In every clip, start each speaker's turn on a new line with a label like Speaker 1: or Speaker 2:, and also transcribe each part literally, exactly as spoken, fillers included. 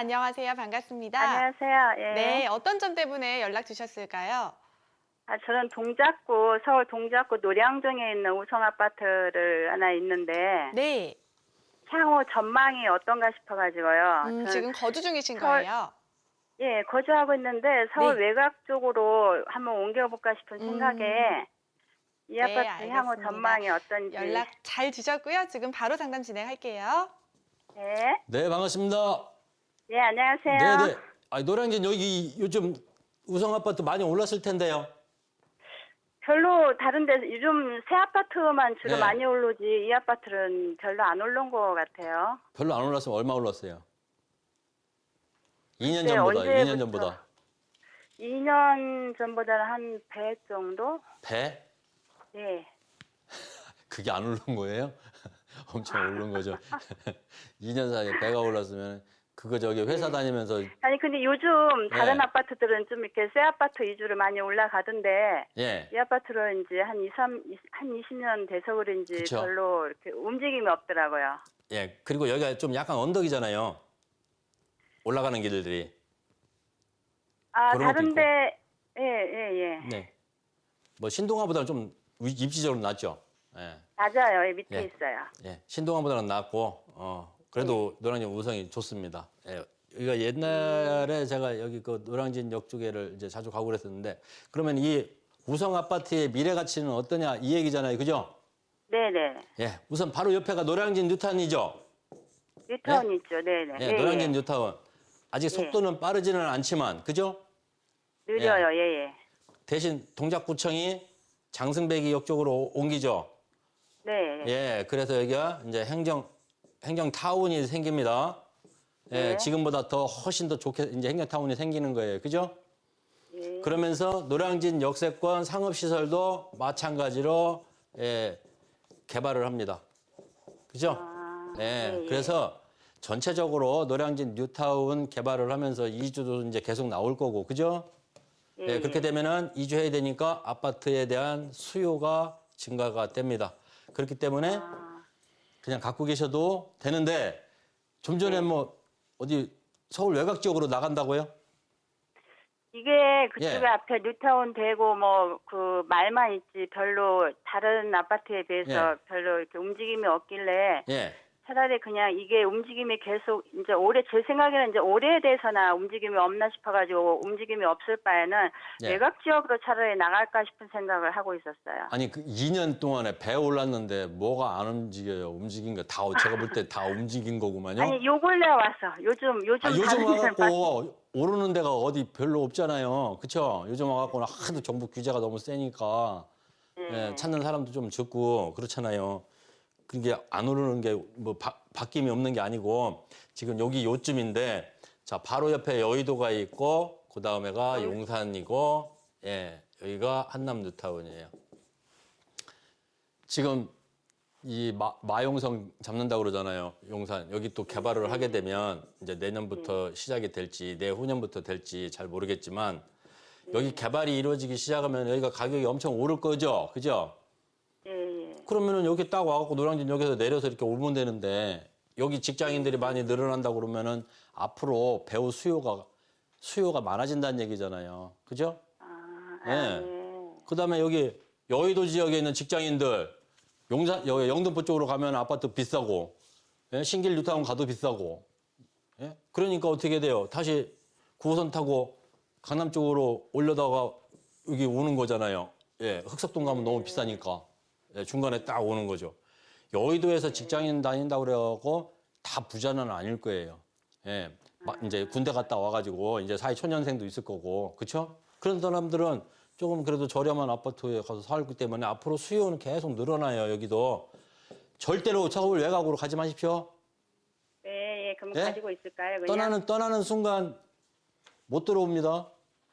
Speaker 1: 안녕하세요. 반갑습니다.
Speaker 2: 안녕하세요. 예.
Speaker 1: 네, 어떤 점 때문에 연락 주셨을까요?
Speaker 2: 아, 저는 동작구, 서울 동작구 노량동에 있는 우성 아파트를 하나 있는데,
Speaker 1: 네.
Speaker 2: 향후 전망이 어떤가 싶어가지고요.
Speaker 1: 음,
Speaker 2: 저는
Speaker 1: 지금 거주 중이신
Speaker 2: 서울,
Speaker 1: 거예요?
Speaker 2: 예, 거주하고 있는데, 서울
Speaker 1: 네.
Speaker 2: 외곽 쪽으로 한번 옮겨볼까 싶은 생각에,
Speaker 1: 음,
Speaker 2: 이
Speaker 1: 네,
Speaker 2: 아파트 향후
Speaker 1: 알겠습니다.
Speaker 2: 전망이 어떤지.
Speaker 1: 연락 잘 주셨고요. 지금 바로 상담 진행할게요.
Speaker 2: 네.
Speaker 3: 네, 반갑습니다.
Speaker 2: 예, 안녕하세요.
Speaker 3: 네네. 아, 노량진 여기 요즘 우성 아파트 많이 올랐을 텐데요.
Speaker 2: 별로 다른데 요즘 새 아파트만 주로
Speaker 3: 네.
Speaker 2: 많이 오르지, 이 아파트는 별로 안 오른 것 같아요.
Speaker 3: 별로 안 올랐으면 얼마 올랐어요? 이 년
Speaker 2: 글쎄,
Speaker 3: 전보다, 이 년
Speaker 2: 언제부터?
Speaker 3: 전보다.
Speaker 2: 이 년 전보다는 한 배 정도?
Speaker 3: 배?
Speaker 2: 네.
Speaker 3: 그게 안 오른 거예요? 엄청 오른 거죠. 이 년 사이에 배가 올랐으면 그거 저기 회사 다니면서
Speaker 2: 아니 근데 요즘 다른
Speaker 3: 네.
Speaker 2: 아파트들은 좀 이렇게 새 아파트 위주로 많이 올라가던데
Speaker 3: 예.
Speaker 2: 이 아파트는 이제 한 이, 삼, 한 이십 년 돼서 그런지
Speaker 3: 그쵸.
Speaker 2: 별로 이렇게 움직임이 없더라고요.
Speaker 3: 예. 그리고 여기가 좀 약간 언덕이잖아요. 올라가는 길들이.
Speaker 2: 아,
Speaker 3: 그런 것도
Speaker 2: 다른데 예, 예, 예.
Speaker 3: 네. 뭐 신동아보다는 좀 위- 입지적으로 낫죠. 예.
Speaker 2: 맞아요. 예, 밑에
Speaker 3: 예.
Speaker 2: 있어요.
Speaker 3: 예, 신동아보다는 낫고, 어, 그래도 노량진 우성이 좋습니다. 예, 여기가 옛날에 제가 여기 그 노량진 역 쪽에를 이제 자주 가고 그랬었는데, 그러면 이 우성 아파트의 미래 가치는 어떠냐 이 얘기잖아요, 그죠?
Speaker 2: 네, 네.
Speaker 3: 예, 우선 바로 옆에가 노량진 뉴타운이죠.
Speaker 2: 뉴타운 있죠. 네, 네.
Speaker 3: 예, 노량진 뉴타운. 아직 속도는 빠르지는 않지만, 그죠?
Speaker 2: 느려요. 예, 예.
Speaker 3: 대신 동작구청이 장승배기 역 쪽으로 옮기죠.
Speaker 2: 네.
Speaker 3: 예, 그래서 여기가 이제 행정 행정 타운이 생깁니다. 예,
Speaker 2: 네.
Speaker 3: 지금보다 더 훨씬 더 좋게 이제 행정 타운이 생기는 거예요. 그죠?
Speaker 2: 예.
Speaker 3: 그러면서 노량진 역세권 상업 시설도 마찬가지로 예, 개발을 합니다. 그죠?
Speaker 2: 아,
Speaker 3: 예,
Speaker 2: 예, 예.
Speaker 3: 그래서 전체적으로 노량진 뉴타운 개발을 하면서 이주도 이제 계속 나올 거고, 그죠?
Speaker 2: 예,
Speaker 3: 예, 그렇게 되면은 이주해야 되니까 아파트에 대한 수요가 증가가 됩니다. 그렇기 때문에
Speaker 2: 아,
Speaker 3: 그냥 갖고 계셔도 되는데 좀 전에 뭐 어디 서울 외곽 지역으로 나간다고요?
Speaker 2: 이게 그쪽에
Speaker 3: 예.
Speaker 2: 앞에 뉴타운 되고 뭐 그 말만 있지 별로 다른 아파트에 비해서
Speaker 3: 예.
Speaker 2: 별로 이렇게 움직임이 없길래
Speaker 3: 예.
Speaker 2: 차라리 그냥 이게 움직임이 계속 이제 올해 제 생각에는 이제 올해에 대해서나 움직임이 없나 싶어가지고 움직임이 없을 바에는
Speaker 3: 예.
Speaker 2: 외곽 지역으로 차라리 나갈까 싶은 생각을 하고 있었어요.
Speaker 3: 아니 그 이 년 동안에 배 올랐는데 뭐가 안 움직여요? 움직인 거 다 제가 볼 때 다 움직인 거구만요.
Speaker 2: 아니 요 근래 와서 요즘 요즘
Speaker 3: 아, 요즘
Speaker 2: 다른 데는 봐-
Speaker 3: 와갖고 오르는 데가 어디 별로 없잖아요. 그쵸? 요즘 와갖고는 하도 정부 규제가 너무 세니까
Speaker 2: 예.
Speaker 3: 예, 찾는 사람도 좀 적고 그렇잖아요. 그게 안 오르는 게 뭐 바뀜이 없는 게 아니고 지금 여기 요쯤인데 자 바로 옆에 여의도가 있고 그 다음에가 용산이고 예 여기가 한남 뉴타운이에요. 지금 이 마, 마용성 잡는다고 그러잖아요. 용산. 여기 또 개발을 하게 되면 이제 내년부터 시작이 될지 내후년부터 될지 잘 모르겠지만 여기 개발이 이루어지기 시작하면 여기가 가격이 엄청 오를 거죠. 그죠?
Speaker 2: 예, 예.
Speaker 3: 그러면은 여기 딱 와갖고 노량진역에서 내려서 이렇게 오면 되는데 여기 직장인들이 많이 늘어난다고 그러면은 앞으로 배우 수요가 수요가 많아진다는 얘기잖아요. 그죠?
Speaker 2: 아,
Speaker 3: 예.
Speaker 2: 아, 예.
Speaker 3: 그다음에 여기 여의도 지역에 있는 직장인들 용산 여기 영등포 쪽으로 가면 아파트 비싸고 예? 신길 뉴타운 가도 비싸고 예? 그러니까 어떻게 돼요? 다시 구 호선 타고 강남 쪽으로 올려다가 여기 오는 거잖아요. 예, 흑석동 가면 너무 비싸니까 예, 중간에 딱 오는 거죠. 여의도에서 직장인 다닌다고 그래갖고 다 부자는 아닐 거예요. 예, 마- 이제 군대 갔다 와가지고 이제 사회 초년생도 있을 거고, 그렇죠? 그런 사람들은 조금 그래도 저렴한 아파트에 가서 살기 때문에 앞으로 수요는 계속 늘어나요. 여기도 절대로 서울 외곽으로 가지 마십시오.
Speaker 2: 예, 예. 그럼
Speaker 3: 예?
Speaker 2: 가지고 있을까요? 그냥?
Speaker 3: 떠나는 떠나는 순간 못 들어옵니다.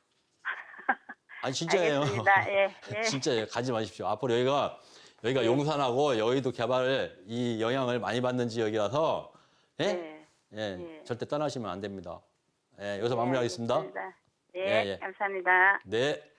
Speaker 3: 아니 진짜예요.
Speaker 2: 알겠습니다. 예, 예.
Speaker 3: 진짜예요. 가지 마십시오. 앞으로 여기가 여기가 용산하고 여의도 개발 이 영향을 많이 받는 지역이라서 예?
Speaker 2: 네.
Speaker 3: 예,
Speaker 2: 예.
Speaker 3: 절대 떠나시면 안 됩니다. 예, 여기서
Speaker 2: 네,
Speaker 3: 마무리하겠습니다.
Speaker 2: 알겠습니다. 예,
Speaker 3: 예, 예.
Speaker 2: 감사합니다.
Speaker 3: 네.